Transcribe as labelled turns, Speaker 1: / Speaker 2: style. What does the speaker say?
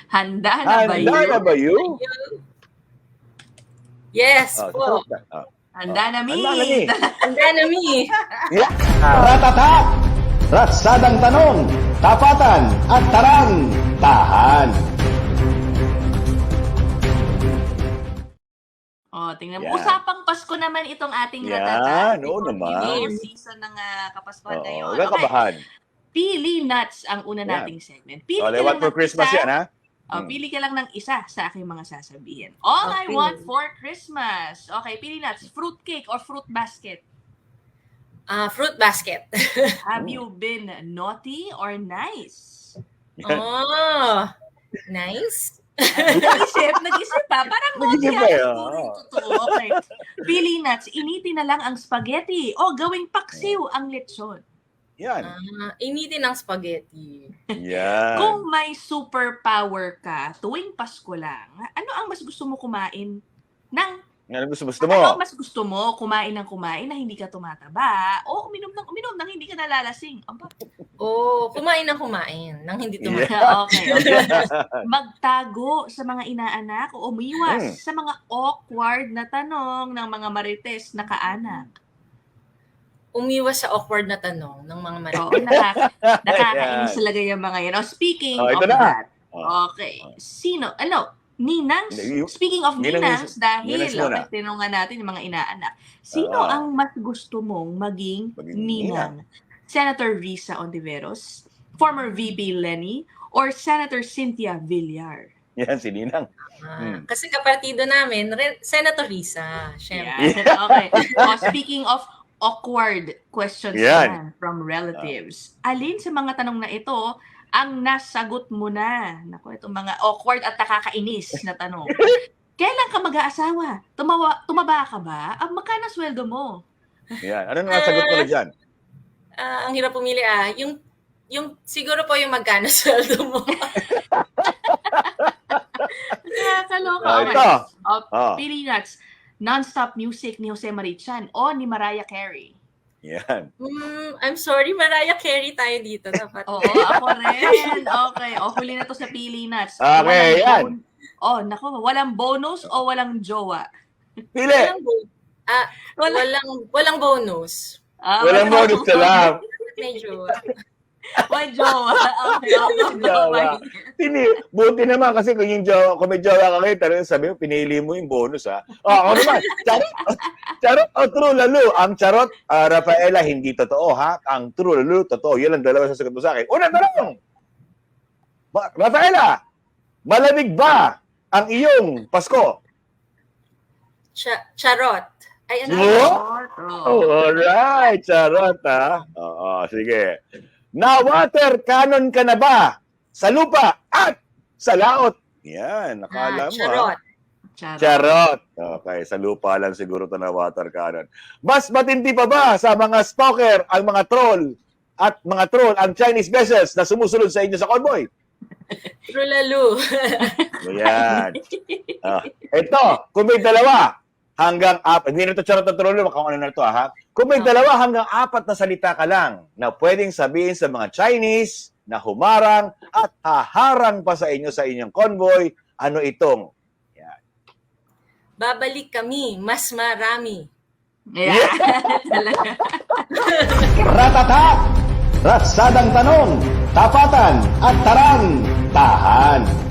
Speaker 1: Handa na ba
Speaker 2: Handa na
Speaker 1: yun?
Speaker 2: ba yun?
Speaker 3: Yes
Speaker 2: Oh,
Speaker 3: po.
Speaker 1: Handa na, Mi.
Speaker 2: Handa na, Mi.
Speaker 3: Handa na, Mi.
Speaker 2: Yeah.
Speaker 4: Ratata! Ratsadang tanong, tapatan at tarang, tahan.
Speaker 1: Tingnan mo.
Speaker 2: Yan.
Speaker 1: Usapang Pasko naman itong ating
Speaker 2: Yan,
Speaker 1: ratata.
Speaker 2: oo naman.
Speaker 1: Season ng Kapaskuhan
Speaker 2: Oo,
Speaker 1: ngayon.
Speaker 2: huwag kang kabahan.
Speaker 1: Pili nuts ang una
Speaker 2: Yan.
Speaker 1: nating segment. Pili
Speaker 2: Oh,
Speaker 1: ka
Speaker 2: they
Speaker 1: lang
Speaker 2: want for
Speaker 1: ng
Speaker 2: Christmas
Speaker 1: isa.
Speaker 2: yan, ha?
Speaker 1: Pili ka lang ng isa sa aking mga sasabihin. All I
Speaker 3: Okay.
Speaker 1: want for Christmas. Okay, pili nuts. Fruit cake or fruit basket?
Speaker 3: Fruit basket.
Speaker 1: Have you been naughty or nice?
Speaker 3: Oh, nice.
Speaker 1: Nag-isip pa. Parang naughty
Speaker 2: Nag-isip
Speaker 1: nga
Speaker 2: pa eh,
Speaker 1: siguro yung totoo. Okay. Pili nuts. Initin na lang ang spaghetti o gawing paksiw ang lechon.
Speaker 2: Yan.
Speaker 3: Initin ng spaghetti.
Speaker 2: Yan.
Speaker 1: Kung may superpower ka tuwing Pasko lang, ano ang mas gusto mo kumain ng
Speaker 2: Ano gusto mo?
Speaker 1: Ano ang mas gusto mo? Kumain ng kumain na hindi ka tumataba o uminom ng hindi ka nalalasing? Aba.
Speaker 3: Kumain ng kumain nang hindi
Speaker 2: Yeah.
Speaker 3: tumataba.
Speaker 1: Okay. Magtago sa mga inaanak o umiwas sa mga awkward na tanong ng mga marites na kaanak.
Speaker 3: Umiwas sa awkward na tanong ng mga
Speaker 1: Oo,
Speaker 3: marites.
Speaker 1: nakakainis talaga yung mga yan. Speaking
Speaker 2: Oh,
Speaker 1: of
Speaker 2: ito na.
Speaker 1: that,
Speaker 2: Oh.
Speaker 1: okay. Ninangs, speaking of
Speaker 2: Ninangs
Speaker 1: ninangs, dahil
Speaker 2: muna.
Speaker 1: tinungan natin yung mga inaanak, sino
Speaker 2: Oo.
Speaker 1: ang mas gusto mong maging ninang? Senator Risa Ontiveros, former VP Lenny, or Senator Cynthia Villar?
Speaker 2: Yan, si Ninang.
Speaker 3: Kasi kapartido namin, Senator Risa, syempre.
Speaker 1: Yeah. Okay. Speaking of awkward questions
Speaker 2: Yan.
Speaker 1: from relatives, alin sa mga tanong na ito ang nasagot mo na? Naku, itong mga awkward at nakakainis na tanong. Kailan ka mag-aasawa? Tumaba ka ba? Magkano sweldo mo?
Speaker 2: Yan. Ano nga sagot mo na dyan?
Speaker 3: Ang hirap pumili yung siguro po yung magkano sweldo mo.
Speaker 1: Nakakaloka.
Speaker 2: Ito.
Speaker 1: Pili nuts. Non-stop music ni Jose Marichan o ni Mariah Carey?
Speaker 2: Yan.
Speaker 3: I'm sorry, Mariah Carey tayo dito. Dapat.
Speaker 1: Oo, ako rin. Okay. Huli na to sa pili nuts.
Speaker 2: Okay, yan.
Speaker 1: Naku, walang bonus o walang jowa?
Speaker 2: Pili.
Speaker 3: Walang bonus.
Speaker 2: Walang bonus na lang.
Speaker 3: May jowa.
Speaker 1: May jowa. Okay, jowa.
Speaker 2: Buti naman kasi kung may jowa ka kayo, talagang sabi mo, pinili mo yung bonus, ha? Ako naman, charot o true lalo? Ang charot, Rafaela, hindi totoo, ha? Ang true lalo, totoo. Yan ang dalawa sasagot mo sa akin. Unang tanong! Rafaela, malamig ba ang iyong Pasko?
Speaker 3: Charot. Ay, ano?
Speaker 2: Alright, charot, ha? Oo, sige. Na-water cannon ka na ba sa lupa at sa laot? Yan, nakala mo.
Speaker 3: Charot.
Speaker 2: Charot. Okay, sa lupa lang siguro ito na water cannon. Mas matindi pa ba sa mga stalker ang mga troll ang Chinese vessels na sumusunod sa inyo sa convoy?
Speaker 3: Trulalu.
Speaker 2: Yan. Ito, kung may dalawa hanggang apat, hindi na ito charot na trollo, kung ano na ito, ha? Kung may dalawa hanggang apat na salita ka lang na pwedeng sabihin sa mga Chinese na humarang at haharang pa sa inyo sa inyong convoy, ano itong? Yan.
Speaker 3: Babalik kami, mas marami.
Speaker 1: Yeah.
Speaker 4: Ratata! Ratsadang tanong, tapatan at tarang, tahan.